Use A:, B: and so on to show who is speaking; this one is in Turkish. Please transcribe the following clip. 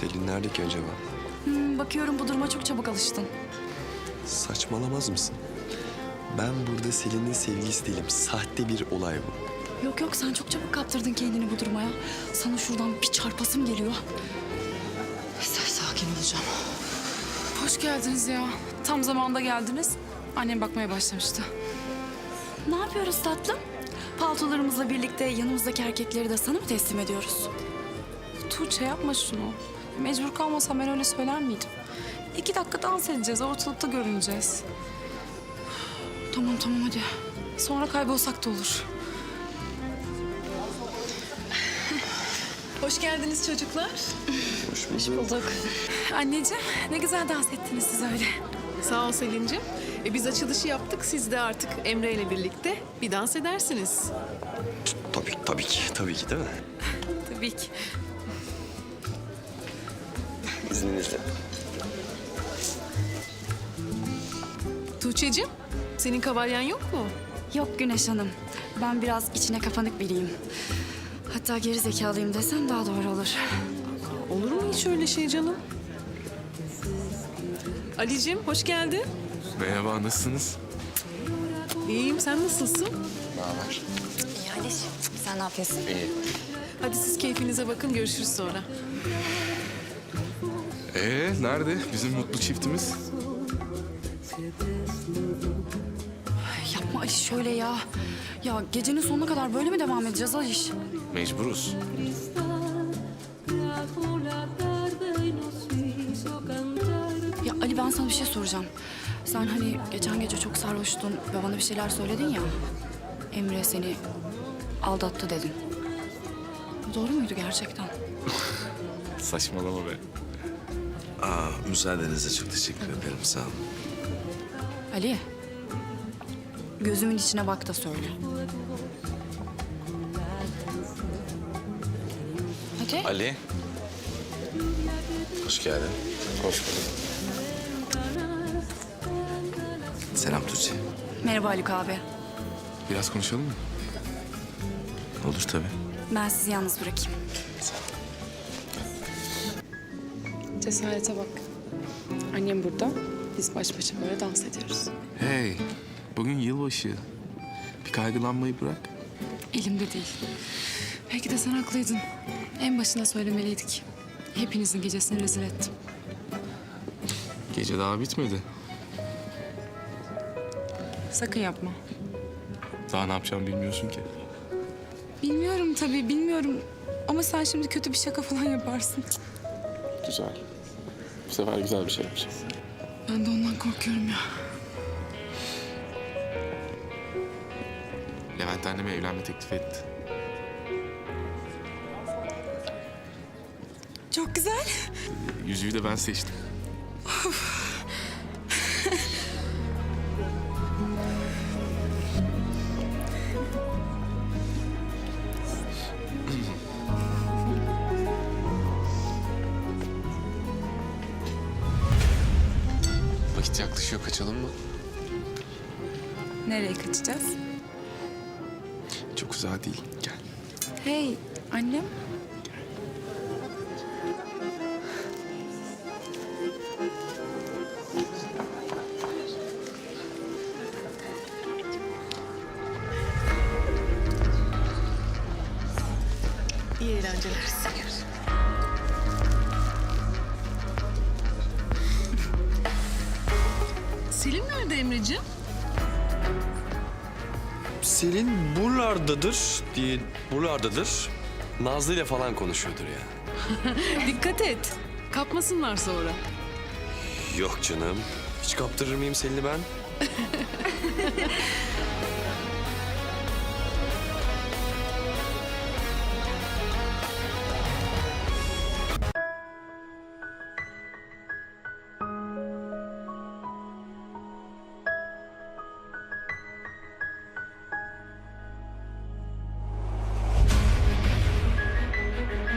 A: Selin nerede ki acaba?
B: Bakıyorum bu duruma çok çabuk alıştın.
A: Saçmalamaz mısın? Ben burada Selin'in sevgilisi değilim. Sahte bir olay bu.
B: Yok yok sen çok çabuk kaptırdın kendini bu duruma ya. Sana şuradan bir çarpasım geliyor. Neyse sakin olacağım.
C: Hoş geldiniz ya. Tam zamanında geldiniz. Annem bakmaya başlamıştı.
B: Ne yapıyoruz tatlım? Paltolarımızla birlikte yanımızdaki erkekleri de sana mı teslim ediyoruz?
C: Tuğçe yapma şunu. Mecbur kalmasam ben öyle söyler miydim? 2 dakika dans edeceğiz, ortalıkta görüneceğiz.
B: Tamam tamam hadi.
C: Sonra kaybolsak da olur.
D: Hoş geldiniz çocuklar.
A: Hoş bulduk.
C: Anneciğim, ne güzel dans ettiniz siz öyle.
D: Sağ ol Selin'cim. Biz açılışı yaptık. Siz de artık Emre ile birlikte bir dans edersiniz.
A: Tabii ki değil mi?
C: Tabii ki.
A: İzninizle.
D: Tuğçe'cim, senin kavalyen yok mu?
B: Yok Güneş Hanım. Ben biraz içine kapanık biriyim. Hatta geri zekalıyım desem daha doğru olur.
D: Olur mu hiç öyle şey canım? Ali'cim, hoş geldin.
E: Merhaba, nasılsınız?
D: İyiyim, sen nasılsın?
B: İyi Aliş. Sen ne yapıyorsun?
A: İyi.
D: Hadi siz keyfinize bakın, görüşürüz sonra.
E: Nerede bizim mutlu çiftimiz?
B: Yapma Aliş şöyle ya. Ya gecenin sonuna kadar böyle mi devam edeceğiz Aliş?
E: Mecburuz.
B: Ya Ali ben sana bir şey soracağım. Sen hani geçen gece çok sarhoştun ve bana bir şeyler söyledin ya. Emre seni aldattı dedin. Bu doğru muydu gerçekten?
E: Saçmalama be.
A: Müsaadenizle çok teşekkür ederim. Sağ olun.
B: Ali. Gözümün içine bak da söyle. Hadi.
A: Ali. Hoş geldin. Hoş bulduk. Selam Tuğçe.
B: Merhaba Haluk abi.
E: Biraz konuşalım mı?
A: Olur tabii.
B: Ben sizi yalnız bırakayım.
C: Cesarete bak. Annem burada. Biz baş başa böyle dans ediyoruz.
E: Hey, bugün yılbaşı. Bir kaygılanmayı bırak.
C: Elimde değil. Belki de sen haklıydın. En başına söylemeliydik. Hepinizin gecesini rezil ettim.
E: Gece daha bitmedi.
C: Sakın yapma.
E: Daha ne yapacağımı bilmiyorsun ki.
C: Bilmiyorum tabii, bilmiyorum. Ama sen şimdi kötü bir şaka falan yaparsın.
E: Güzel. Bu sefer güzel bir şey yapacağım.
C: Ben de ondan korkuyorum ya.
E: Levent anneme evlenme teklif etti.
C: Çok güzel.
E: Yüzüğü de ben seçtim. Vakit yaklaşıyor, kaçalım mı?
C: Nereye kaçacağız?
E: Çok uzağa değil, gel.
C: Hey, annem.
D: İyi eğlenceler. Selin nerede Emre'ciğim?
A: Selin buralardadır. Nazlı ile falan konuşuyordur ya.
D: Dikkat et. Kapmasınlar sonra.
A: Yok canım. Hiç kaptırır mıyım Selin'i ben?